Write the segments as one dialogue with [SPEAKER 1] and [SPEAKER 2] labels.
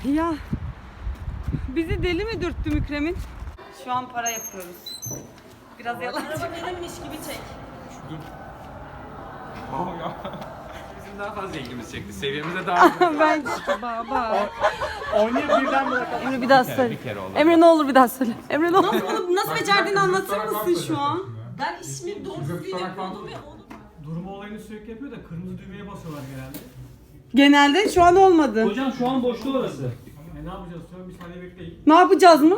[SPEAKER 1] Ya bizi deli mi dürttü Mükremin? Şu an para yapıyoruz. Biraz yalancı.
[SPEAKER 2] Araba benimmiş gibi çek.
[SPEAKER 3] Dur. Ya. Bizim daha fazla ilgimizi çekti. Seviyemize daha
[SPEAKER 1] Ben baba.
[SPEAKER 4] Oynayıp birden bırakalım.
[SPEAKER 1] Emre bir daha söyle.
[SPEAKER 3] bir kere oldu.
[SPEAKER 1] Emre ne olur bir daha söyle. Emre ne olur.
[SPEAKER 2] Nasıl becerdiğini anlatır mısın şu an? Ben ismi doğru düzgün yapıyordum ve onu...
[SPEAKER 4] Durma olayını sürekli yapıyor da kırmızı düğmeye basıyorlar genelde.
[SPEAKER 1] Genelde şu an olmadı.
[SPEAKER 5] Hocam şu an boştu orası.
[SPEAKER 4] Ne yapacağız? Sonra bir saniye bekleyin.
[SPEAKER 1] Ne yapacağız mı?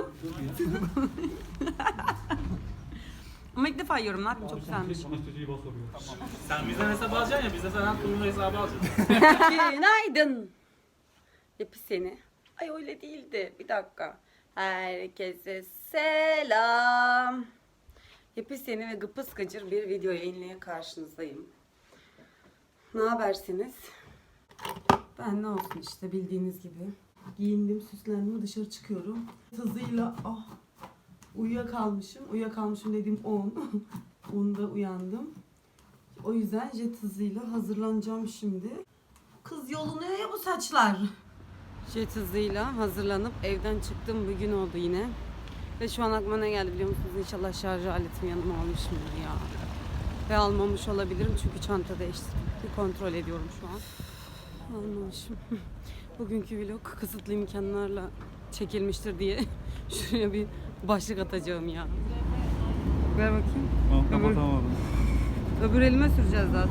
[SPEAKER 1] Ama ilk defa yiyorum. Ne yapayım? Çok güzelmiş.
[SPEAKER 4] Anestesiyi basıyor.
[SPEAKER 5] Sen bizden hesap alacaksın ya, biz de senden turnuva hesabı alacağız.
[SPEAKER 1] Günaydın. Yapı seni. Ay öyle değildi. Bir dakika. Herkese selam. Yapı seni ve gıpıs gıcır bir video yayınlayan karşınızdayım. Ne habersiniz? Ben ne olsun işte bildiğiniz gibi. Giyindim, süslendim, dışarı çıkıyorum. Hızıyla uyuyakalmışım. Uyuyakalmışım dediğim 10. 10'da uyandım. O yüzden jet hızıyla hazırlanacağım şimdi. Kız yolunuyor ya bu saçlar. Jet hızıyla hazırlanıp evden çıktım. Bir gün oldu yine. Ve şu an aklıma ne geldi biliyor musunuz? İnşallah şarj aletimi yanıma almışımdır ya. Ve almamış olabilirim çünkü çanta değiştirdim. Bir kontrol ediyorum şu an. Almamışım. Bugünkü vlog kısıtlı imkanlarla çekilmiştir diye şuraya bir başlık atacağım ya. Ver bakayım.
[SPEAKER 4] Kapatamadım.
[SPEAKER 1] Öbür elime süreceğiz zaten.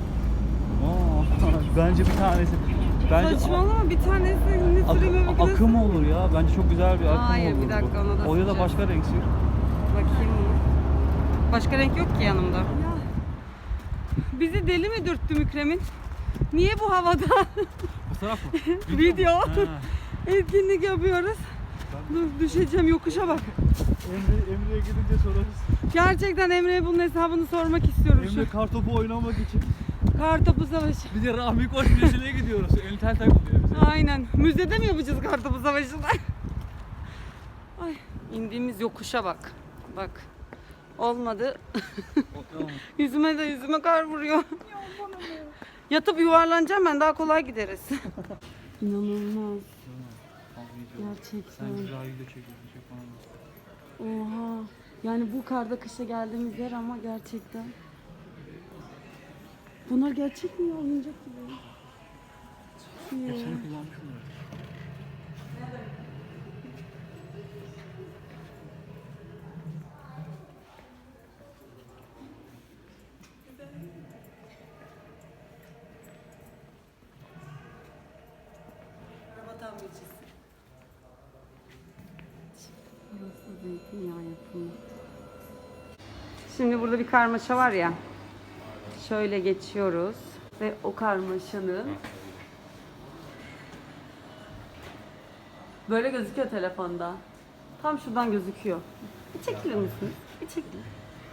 [SPEAKER 4] Bence bir tanesi. Bence
[SPEAKER 1] Saçmalama bir tanesini süreyim öbür
[SPEAKER 4] akım olur ya. Bence çok güzel bir akım
[SPEAKER 1] Hayır,
[SPEAKER 4] olur.
[SPEAKER 1] bir dakika, ona da
[SPEAKER 4] O ya da
[SPEAKER 1] süreceğiz.
[SPEAKER 4] başka renk sür.
[SPEAKER 1] Bakayım. Başka renk yok ki yanımda. Ya, bizi deli mi dürttü Mükremin? Niye bu havada
[SPEAKER 4] Fotoğraf mı?
[SPEAKER 1] video
[SPEAKER 4] Ha.
[SPEAKER 1] etkinlik yapıyoruz? Dur düşeceğim yokuşa bak.
[SPEAKER 4] Emre'ye gidince sorarız.
[SPEAKER 1] Gerçekten Emre'ye bunun hesabını sormak istiyorum
[SPEAKER 4] Emre
[SPEAKER 1] şu.
[SPEAKER 4] kartopu oynamak için.
[SPEAKER 1] Kartopu savaşı.
[SPEAKER 4] Bir de Rahmi Koç müzesine gidiyoruz. Entel takılıyor bize.
[SPEAKER 1] Aynen. Müzede mi yapacağız kartopu savaşını? Ay, indiğimiz yokuşa bak. Bak. Olmadı. Yüzüme kar vuruyor. Yatıp yuvarlanacağım ben, daha kolay gideriz. İnanılmaz. Gerçekten. Oha. Yani bu karda kışa geldiğimiz yer ama gerçekten. Bunlar gerçek mi ya? Oyuncak gibi. Çok iyi.
[SPEAKER 4] Hepsini kullanmışım ya.
[SPEAKER 1] Araba tamircisi. Burası zeytinyağı yapımı. Şimdi burada bir karmaşa var ya. Şöyle geçiyoruz ve o karmaşanın böyle gözüküyor telefonda. Tam şuradan gözüküyor. Bir çekilir misiniz? Bir çekilir.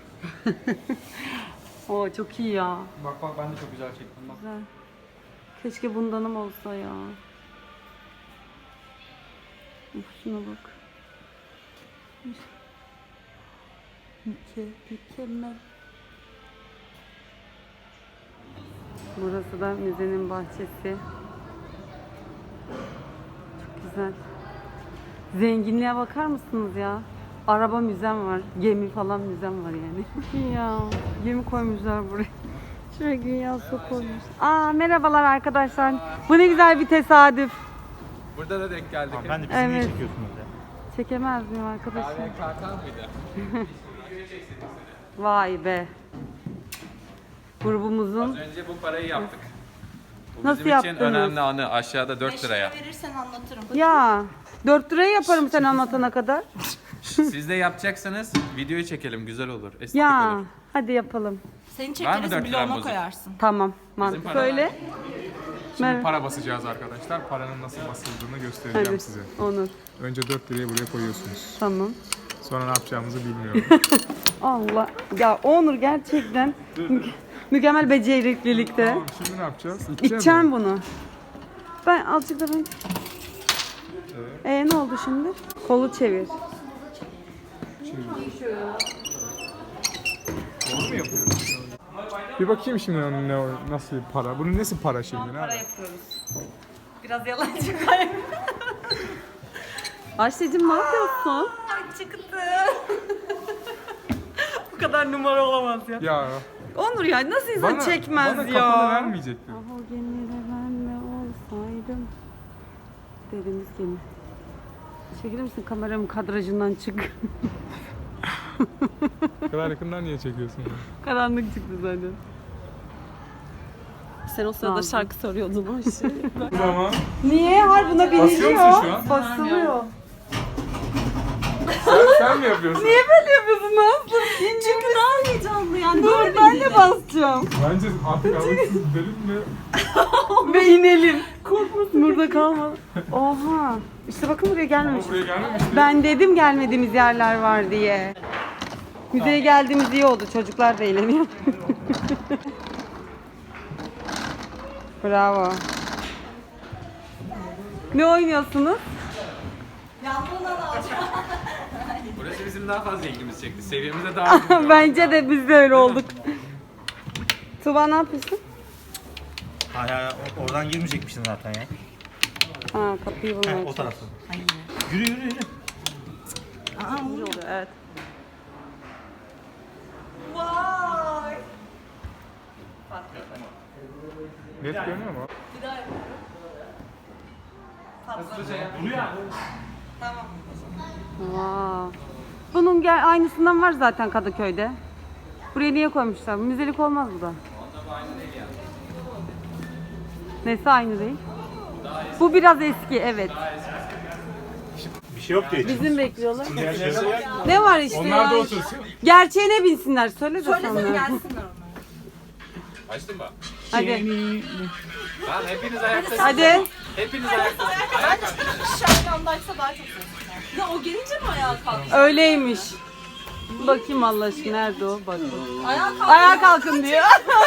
[SPEAKER 1] Oo çok iyi ya.
[SPEAKER 4] Bak ben de çok güzel çektim bak.
[SPEAKER 1] Güzel. Keşke bundanım olsa ya. Uf, şuna bak. Mükemmel. Burası da müzenin bahçesi. Çok güzel. Zenginliğe bakar mısınız ya? Araba müzem var, gemi falan müzem var yani. Ya gemi koymuşlar buraya. Şuraya güya su koymuş. Aa merhabalar arkadaşlar. Bu ne güzel bir tesadüf.
[SPEAKER 3] Burada da denk geldik.
[SPEAKER 4] Ben de bizi niye
[SPEAKER 1] Evet.
[SPEAKER 4] çekiyorsunuz ya?
[SPEAKER 1] Çekemez miyim arkadaşım?
[SPEAKER 3] Kahve kalkan mıydı?
[SPEAKER 1] Vay be. Grubumuzun
[SPEAKER 3] Az önce bu parayı yaptık. Bu
[SPEAKER 1] Nasıl
[SPEAKER 3] bizim için
[SPEAKER 1] yaptınız?
[SPEAKER 3] önemli anı. Aşağıda 4 liraya.
[SPEAKER 2] verirsen anlatırım.
[SPEAKER 1] ya 4 liraya yaparım sen anlatana kadar.
[SPEAKER 3] Siz de yapacaksanız videoyu çekelim. Güzel olur. Estetik
[SPEAKER 1] Ya
[SPEAKER 3] olur.
[SPEAKER 1] hadi yapalım.
[SPEAKER 2] Seni
[SPEAKER 3] Var mı
[SPEAKER 2] çekeriz,
[SPEAKER 3] 4 liram
[SPEAKER 2] bloğuma
[SPEAKER 3] bozuk?
[SPEAKER 2] koyarsın.
[SPEAKER 1] Tamam. Mantık
[SPEAKER 3] para
[SPEAKER 1] söyle.
[SPEAKER 6] Şimdi para basacağız arkadaşlar. Paranın nasıl basıldığını göstereceğim
[SPEAKER 1] Hadi.
[SPEAKER 6] size.
[SPEAKER 1] Onur.
[SPEAKER 6] Önce 4 lirayı buraya koyuyorsunuz.
[SPEAKER 1] Tamam.
[SPEAKER 6] Sonra ne yapacağımızı bilmiyorum.
[SPEAKER 1] Allah. Ya Onur gerçekten mükemmel beceriklilikte.
[SPEAKER 6] Tamam, şimdi ne yapacağız?
[SPEAKER 1] İçeceğim bunu. Ben azıcık da ben. Ne oldu şimdi? Kolu çevir.
[SPEAKER 6] Doğru mu yapıyoruz? Bir bakayım şimdi nasıl bir para. Bunun nesi para şimdi?
[SPEAKER 1] Para yapıyoruz. Biraz yalancı kayın. Ayşe'cim ne yapıyorsun?
[SPEAKER 2] Çıktı. Bu kadar numara olamaz ya.
[SPEAKER 6] Ya
[SPEAKER 1] Onur ya nasıl insan çekmez
[SPEAKER 6] bana
[SPEAKER 1] ya?
[SPEAKER 6] kafanı vermeyecektin.
[SPEAKER 1] Ah o gemide ben de olsaydım. Deniz gemi. Çekilir misin kameramın kadrajından çık.
[SPEAKER 6] Bu kadar yakından niye çekiyorsun ya?
[SPEAKER 1] Karanlık çıktı zaten.
[SPEAKER 2] Sen o sırada
[SPEAKER 1] Nazlı.
[SPEAKER 2] şarkı soruyordun o işi.
[SPEAKER 6] O zaman
[SPEAKER 1] Niye? Har buna
[SPEAKER 6] Basıyor
[SPEAKER 1] biniliyor.
[SPEAKER 6] musun şu an?
[SPEAKER 1] Basılıyor.
[SPEAKER 6] sen mi yapıyorsun?
[SPEAKER 1] Niye böyle yapıyorsun Nazlı?
[SPEAKER 2] Çünkü daha heyecanlı yani.
[SPEAKER 1] Dur ben de basacağım.
[SPEAKER 6] Bence artık aralıksız gidelim ve
[SPEAKER 1] Ve inelim. Korkmasın. Burada kalma. Oha. İşte bakın buraya gelmemiş.
[SPEAKER 6] buraya gelmemiş.
[SPEAKER 1] Ben dedim gelmediğimiz yerler var diye. Müzeye geldiğimiz iyi oldu. Çocuklar da eğleniyor. Bravo. Ne oynuyorsunuz?
[SPEAKER 3] Burası bizim daha fazla ilgimizi çekti. Seviyemize daha uygun.
[SPEAKER 1] Bence de biz de öyle olduk. Tuba ne yapıyorsun?
[SPEAKER 7] Hala oradan girmeyecekmişsin zaten ya.
[SPEAKER 1] Ha kapıyı bulmaya
[SPEAKER 7] O tarafta. Yürü yürü yürü.
[SPEAKER 1] çalışıyor. Evet.
[SPEAKER 6] Net görünüyor mu?
[SPEAKER 1] Wow. Bunun aynısından var zaten Kadıköy'de. Buraya niye koymuşlar? Müzelik olmaz bu da. Nesi aynı değil? Bu biraz eski, evet.
[SPEAKER 7] Bir şey yok diye.
[SPEAKER 1] Bizim bekliyorlar. Ne var işte
[SPEAKER 6] Onlar da
[SPEAKER 1] ya?
[SPEAKER 6] otursun.
[SPEAKER 1] Gerçeğine binsinler. Söyle de sonra.
[SPEAKER 2] gelsinler onlar.
[SPEAKER 3] Açtın mı?
[SPEAKER 1] Hadi.
[SPEAKER 3] Tamam hepiniz ayaktasınız.
[SPEAKER 1] Hadi.
[SPEAKER 3] Hepiniz ayaktasınız.
[SPEAKER 2] Şarkandaysa daha çok sevdim. Ya o gelince mi ayağa kalktı?
[SPEAKER 1] Öyleymiş. Bakayım Allah aşkına nerede o? Bak.
[SPEAKER 2] Ayağa kalktı.
[SPEAKER 1] Ayağa kalkın diyor.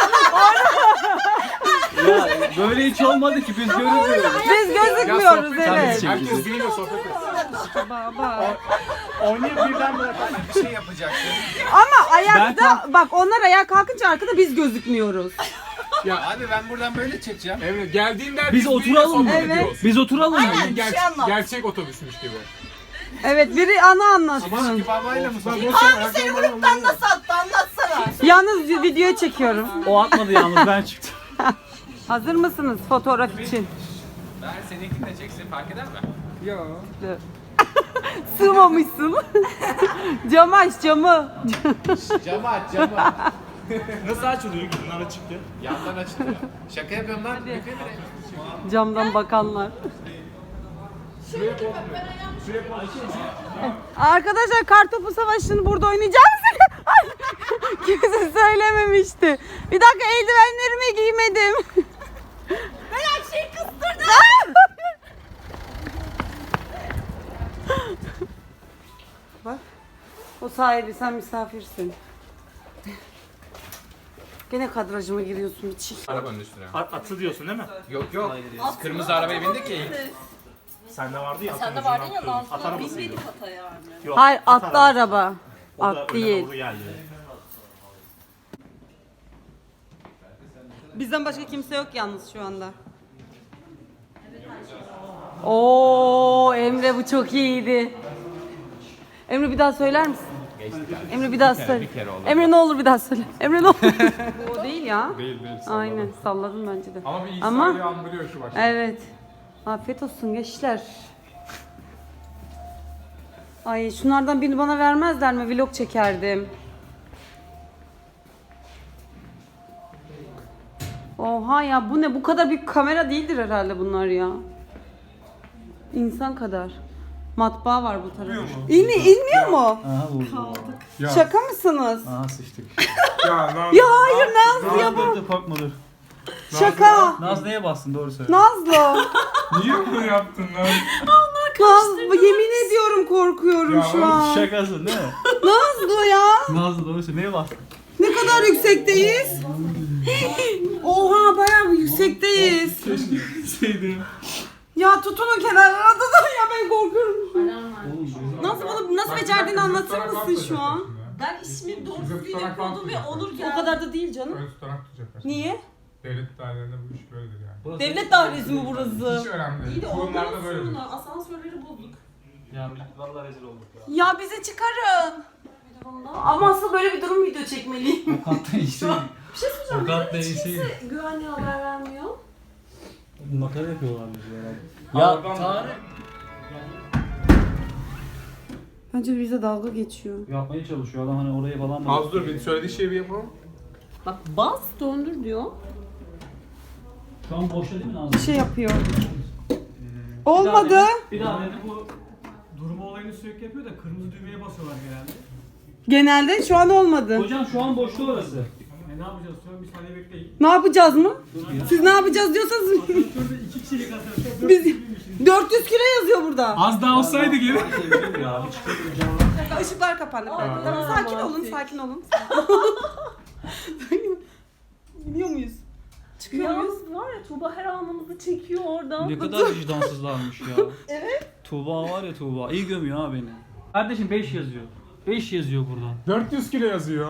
[SPEAKER 4] Ya böyle hiç olmadı ki biz görüyoruz.
[SPEAKER 1] Biz gözükmüyoruz evet.
[SPEAKER 6] Herkes biriyle sohbet etsin.
[SPEAKER 1] Baba.
[SPEAKER 7] Oynayıp birden bırak.
[SPEAKER 3] Bir şey yapacaksın.
[SPEAKER 1] Ama ayakta bak onlar ayağa kalkınca arkada biz gözükmüyoruz.
[SPEAKER 3] Abi ben buradan böyle çekeceğim.
[SPEAKER 6] Evet geldiğinde
[SPEAKER 4] Biz oturalım mı?
[SPEAKER 1] Evet.
[SPEAKER 4] Biz oturalım mı?
[SPEAKER 6] Gerçek otobüsmüş gibi.
[SPEAKER 1] Evet biri ana anlatsın.
[SPEAKER 3] Babayla mı soruyorsun?
[SPEAKER 6] Abi seni gruptan nasıl?
[SPEAKER 1] Yalnız video çekiyorum.
[SPEAKER 4] O atmadı yalnız ben çıktım.
[SPEAKER 1] Hazır mısınız fotoğraf için?
[SPEAKER 3] Ben seninkini de çeksin fark eder mi?
[SPEAKER 6] Ya.
[SPEAKER 1] Sığmamışsın. Camı aç camı.
[SPEAKER 3] Camı aç camı.
[SPEAKER 7] Nasıl açılıyor? Bunlar çıktı.
[SPEAKER 3] Yandan açılıyor. Şaka yapıyorum lan.
[SPEAKER 1] Camdan bakanlar. Arkadaşlar Kartopu Savaşı'nı burada oynayacağız. Kimse söylememişti. Bir dakika eldivenlerimi giymedim. Ben her şeyi kıstırdım. Bak. O sahibi sen misafirsin. Gene kadrajıma giriyorsun bir çiğ.
[SPEAKER 3] Arabanın üstüne.
[SPEAKER 7] Atı diyorsun değil mi?
[SPEAKER 3] Yok yok. Biz kırmızı arabaya bindik ya ilk.
[SPEAKER 7] Sende vardı ya.
[SPEAKER 2] Sen de vardın ya
[SPEAKER 7] At
[SPEAKER 2] Nazlı.
[SPEAKER 7] arabası.
[SPEAKER 2] Binmedik ata yani.
[SPEAKER 7] Yok,
[SPEAKER 1] Hayır
[SPEAKER 7] at
[SPEAKER 1] atlı
[SPEAKER 7] arabası.
[SPEAKER 1] araba.
[SPEAKER 7] O da
[SPEAKER 1] At
[SPEAKER 7] öne
[SPEAKER 1] değil.
[SPEAKER 7] doğru geldi.
[SPEAKER 1] Bizden başka kimse yok yalnız şu anda. Oo Emre bu çok iyiydi. Emre bir daha söyler misin? Emre bir daha söyle. Emre ne olur bir daha söyle. Emre ne olur. Bu o değil ya.
[SPEAKER 6] Değil salladım.
[SPEAKER 1] Aynen salladım bence de.
[SPEAKER 6] Ama bir
[SPEAKER 1] Ama-
[SPEAKER 6] İsa'yı andırıyor şu başta.
[SPEAKER 1] Evet. Afiyet olsun gençler. Ay şunlardan birini bana vermezler mi? Vlog çekerdim. Oha ya bu ne? Bu kadar büyük kamera değildir herhalde bunlar ya. İnsan kadar. Matbaa var bu tarafta. İnmiyor mu?
[SPEAKER 4] Aha vurdu.
[SPEAKER 6] Ya.
[SPEAKER 1] Şaka mısınız?
[SPEAKER 4] Aha sıçtık.
[SPEAKER 6] Ya Nazlı.
[SPEAKER 1] Ya hayır Nazlı ya bu.
[SPEAKER 4] Dur korkma dur.
[SPEAKER 1] Şaka.
[SPEAKER 4] Naz neye bastın doğru söyle.
[SPEAKER 1] Nazlı.
[SPEAKER 6] Niye bunu yaptın lan?
[SPEAKER 1] Nazlı yemin ediyorum korkuyorum
[SPEAKER 6] Ya
[SPEAKER 1] şu an.
[SPEAKER 4] Şakasın değil mi?
[SPEAKER 1] Nazlı ya.
[SPEAKER 4] Nazlı doğru söyle. Neye bastın?
[SPEAKER 1] Ne kadar yüksekteyiz? Oha bayağı bir yüksekteyiz.
[SPEAKER 6] Şeydi.
[SPEAKER 1] Ya tutunun kenarlara tutun ya ben korkuyorum. Nasıl becerdiğini anlatır mısın şu an?
[SPEAKER 2] Ben ismi doğru
[SPEAKER 6] Bize
[SPEAKER 2] düzgün
[SPEAKER 6] tutarak
[SPEAKER 2] yapıyordum ve
[SPEAKER 6] kalkmayacak.
[SPEAKER 2] Onur
[SPEAKER 1] O
[SPEAKER 2] geldi.
[SPEAKER 1] kadar da değil canım.
[SPEAKER 6] Ön tutarak tutacaklar.
[SPEAKER 1] Niye?
[SPEAKER 6] Devlet dairelerinde bu iş böyledir yani.
[SPEAKER 1] Devlet dairesi mi burası?
[SPEAKER 6] Hiç önemli
[SPEAKER 2] İyi
[SPEAKER 6] değil.
[SPEAKER 2] de
[SPEAKER 6] Kurumlarda
[SPEAKER 2] ondan
[SPEAKER 6] böyledir.
[SPEAKER 2] sonra asansörleri bulduk.
[SPEAKER 4] Ya vallahi rezil olduk ya.
[SPEAKER 1] Ya bizi çıkarın. Ama asıl böyle bir durum video çekmeliyim.
[SPEAKER 4] O kat değişti.
[SPEAKER 1] Bir şey söyleyeceğim.
[SPEAKER 4] O kat
[SPEAKER 1] Neden hiç
[SPEAKER 4] değişti.
[SPEAKER 1] kimse güvenliğe haber vermiyor?
[SPEAKER 4] Makara yapıyorlar bizi herhalde. Ya Tarık.
[SPEAKER 1] Bence bize dalga geçiyor.
[SPEAKER 4] Yapmaya çalışıyor adam hani oraya falan mı?
[SPEAKER 6] Az dur bir söylediği şeyi bir yapalım.
[SPEAKER 1] Bak bas döndür diyor.
[SPEAKER 4] Şu an boşta değil mi Nazlı?
[SPEAKER 1] Bir şey yapıyor. Olmadı.
[SPEAKER 4] Bir daha dedi bu durma olayını sürekli yapıyor da kırmızı düğmeye basıyorlar genelde.
[SPEAKER 1] Genelde şu an olmadı.
[SPEAKER 4] Hocam şu an boşta orası.
[SPEAKER 5] Ne yapacağız? Sonra bir saniye bekleyin.
[SPEAKER 1] Ne yapacağız mı?
[SPEAKER 4] Dur ya.
[SPEAKER 1] Siz ne yapacağız diyorsanız
[SPEAKER 5] Şurada 2 kişilik asansör.
[SPEAKER 1] biz 400 kilo yazıyor burada.
[SPEAKER 6] Az daha olsaydı geri.
[SPEAKER 4] Ya bir çıkıyor.
[SPEAKER 1] Işıklar kapandı. Tamam, sakin olun, sakin olun. Gidiyor muyuz? Çıkıyor muyuz?
[SPEAKER 2] Yalnız var ya Tuğba her anımızı çekiyor oradan.
[SPEAKER 4] Ne kadar vicdansızlarmış ya. Evet. Tuğba var ya Tuğba. İyi gömüyor ha beni. Kardeşim 5 yazıyor. 5 yazıyor burada.
[SPEAKER 6] 400 kilo yazıyor.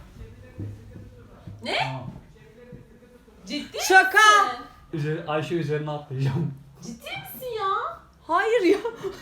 [SPEAKER 2] Ciddi
[SPEAKER 1] Şaka.
[SPEAKER 4] Ayşe üzerine atlayacağım.
[SPEAKER 2] Ciddi misin ya?
[SPEAKER 1] Hayır ya.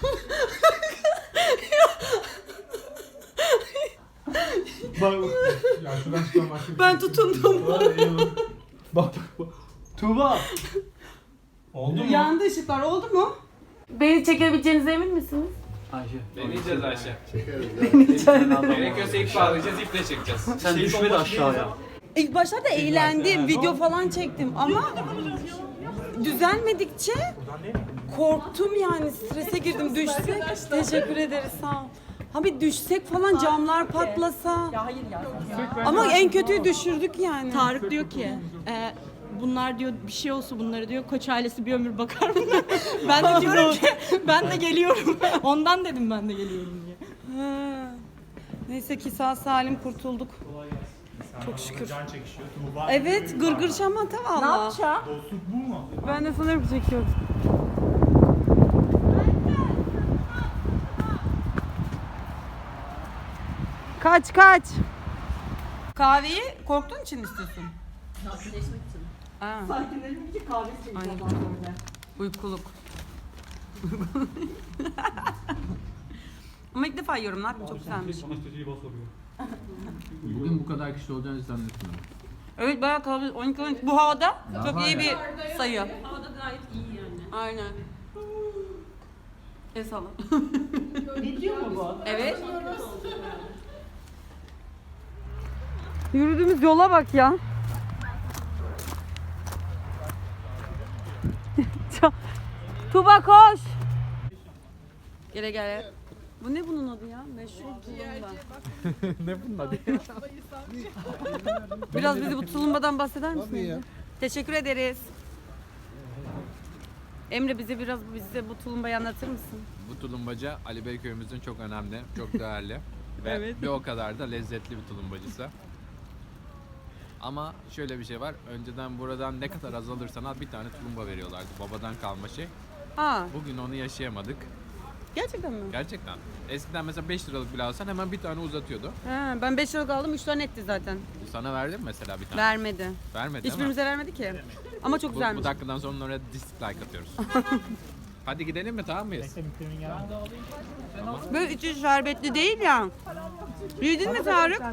[SPEAKER 4] Bak
[SPEAKER 6] Ya şuradan çıkan başka bir
[SPEAKER 1] Ben tutundum.
[SPEAKER 4] bak. Tuğba. Oldu mu?
[SPEAKER 1] Yandı ışıklar, oldu mu?
[SPEAKER 2] Beni çekebileceğinize emin misiniz?
[SPEAKER 4] Ayşe.
[SPEAKER 3] Deneyeceğiz Ayşe.
[SPEAKER 4] Deneyeceğiz.
[SPEAKER 3] Gerekiyorsa ilk bağlayacağız, iple çekeceğiz.
[SPEAKER 4] Sen düşme de aşağıya.
[SPEAKER 1] İlk başlarda eğlendim, video falan çektim ama düzelmedikçe korktum yani, strese girdim. Düşsek, teşekkür ederiz, sağ ol. Abi düşsek falan, camlar patlasa.
[SPEAKER 2] Ya hayır ya.
[SPEAKER 1] Ama en kötüyü düşürdük yani.
[SPEAKER 8] Tarık diyor ki bunlar diyor bir şey olsa bunlara diyor Koç ailesi bir ömür bakar mı? Ben de diyorum ki ben de geliyorum. Ondan dedim ben de geliyorum diye.
[SPEAKER 1] Ha. Neyse ki sağ salim kurtulduk. Çok şükür.
[SPEAKER 7] Can çekişiyor. Tuğba.
[SPEAKER 1] Evet, gırgır şamata valla.
[SPEAKER 2] Ne yapacağım?
[SPEAKER 7] Dostluk bu mu?
[SPEAKER 1] Ben de sanırım çekiyorum. Kaç kaç. Kahveyi korktuğun için istiyorsun.
[SPEAKER 2] Sakinleşmek için.
[SPEAKER 1] Aa,
[SPEAKER 2] Sakinleşmek için kahve içeceğim.
[SPEAKER 1] Aynen. uykuluk. Ama ilk defa yiyorum, ne yapayım, çok güzelmiş.
[SPEAKER 4] Anestezi bas oluyor.
[SPEAKER 3] Bugün bu kadar kişi olacağını zannetmiyorum.
[SPEAKER 1] Evet, bayağı kalabalık. 12 bu havada çok iyi bir sayı.
[SPEAKER 2] Havada gayet iyi yani.
[SPEAKER 1] Aynen. El salla.
[SPEAKER 2] Ne diyor mu bu?
[SPEAKER 1] Evet. Yürüdüğümüz yola bak ya. Tuba koş. Gele gele. Bu ne bunun adı ya? Meşhur tulumba.
[SPEAKER 6] Ne bunun adı?
[SPEAKER 1] Biraz bize bu tulumbadan bahseder misin? Tabii ya. Teşekkür ederiz. Emre bize bu tulumbayı anlatır mısın?
[SPEAKER 3] Bu tulumbaca Ali Bey köyümüzün çok önemli, çok değerli ve bir o kadar da lezzetli bir tulumbacısı. Ama şöyle bir şey var, önceden buradan ne kadar az alırsan al bir tane tulumba veriyorlardı, babadan kalma şey.
[SPEAKER 1] Ha,
[SPEAKER 3] Bugün onu yaşayamadık,
[SPEAKER 1] gerçekten mi?
[SPEAKER 3] gerçekten. Eskiden mesela 5 liralık bile alsan hemen bir tane uzatıyordu.
[SPEAKER 1] He, ben 5 liralık aldım, 3 tane etti zaten.
[SPEAKER 3] Sana verdi mi mesela bir tane?
[SPEAKER 1] Vermedi.
[SPEAKER 3] Vermedi değil mi?
[SPEAKER 1] Hiçbirimize vermedi ki. Ama çok
[SPEAKER 3] Bu
[SPEAKER 1] güzelmiş.
[SPEAKER 3] dakikadan sonra oraya dislike atıyoruz. Hadi gidelim mi, tamam mıyız?
[SPEAKER 1] Böyle içi şerbetli değil ya. Yedin mi Tarık?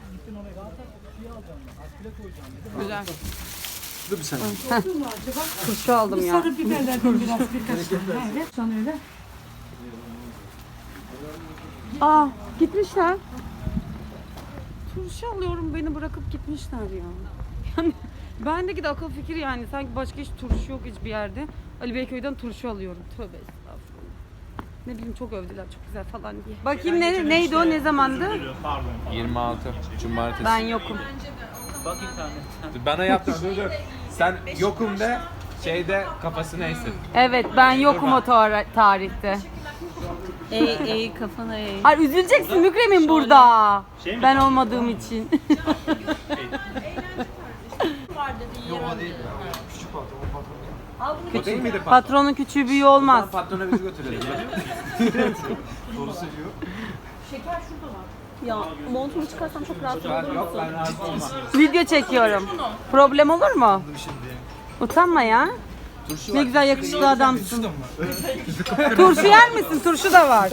[SPEAKER 1] Güzel.
[SPEAKER 4] Dur bir saniye.
[SPEAKER 1] Turşu aldım ya.
[SPEAKER 8] Sarı biberlerden biraz birkaç tane. Evet sana öyle.
[SPEAKER 1] Aa, gitmişler. Turşu alıyorum, beni bırakıp gitmişler ya. Yani bendeki de akıl fikir yani. Sanki başka hiç turşu yok hiçbir yerde. Ali Beyköy'den turşu alıyorum. Tövbe estağfurullah. Ne bileyim, çok övdüler, çok güzel falan diye. Bakayım neydi o, ne zamandı?
[SPEAKER 7] Pardon.
[SPEAKER 3] 26 Cumartesi.
[SPEAKER 1] Ben yokum.
[SPEAKER 4] Bak internet.
[SPEAKER 3] Bana yaptın, dur. Sen yokum de şeyde kafasını eğsin.
[SPEAKER 1] Evet, ben yokum o tarihte.
[SPEAKER 8] Ey kafana ey.
[SPEAKER 1] Ay, üzüleceksin Mükremin burada.
[SPEAKER 7] Şey mi?
[SPEAKER 1] Ben olmadığım için.
[SPEAKER 3] O değil miydi patron?
[SPEAKER 1] Patronun küçüğü büyüğü olmaz.
[SPEAKER 3] Patrona bizi götürelim.
[SPEAKER 2] Ya montumu çıkarsam çok rahat olur
[SPEAKER 3] Yok
[SPEAKER 2] musun?
[SPEAKER 3] ben rahatsız olmam.
[SPEAKER 1] Video çekiyorum. Problem olur mu? Utanma ya. Ne güzel yakışıklı adamsın. Turşu yer misin? Turşu da var.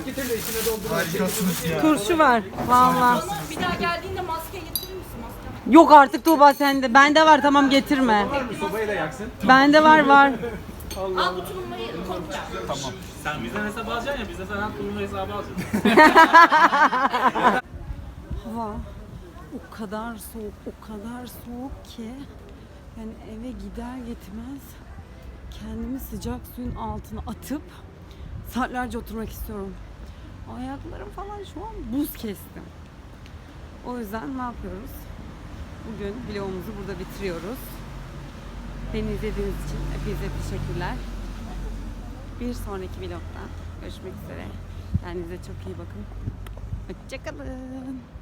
[SPEAKER 1] Turşu var. Vallahi.
[SPEAKER 8] Bir daha geldiğinde maske getirir misin? Maske.
[SPEAKER 1] Yok artık Tuğba sende. Bende var, tamam getirme.
[SPEAKER 6] Sobayı da yaksın.
[SPEAKER 1] Bende var.
[SPEAKER 8] Al bu tulumbayı koyacağım.
[SPEAKER 5] Sen bizden hesap alacaksın ya biz de senden tulumba hesabı alacağız.
[SPEAKER 1] Hava o kadar soğuk ki yani eve gider gitmez kendimi sıcak suyun altına atıp saatlerce oturmak istiyorum. Ayaklarım falan şu an buz kestim. O yüzden ne yapıyoruz? Bugün vlogumuzu burada bitiriyoruz. Beni izlediğiniz için hepinize teşekkürler. Bir sonraki vlogda görüşmek üzere. Kendinize çok iyi bakın. Hoşçakalın.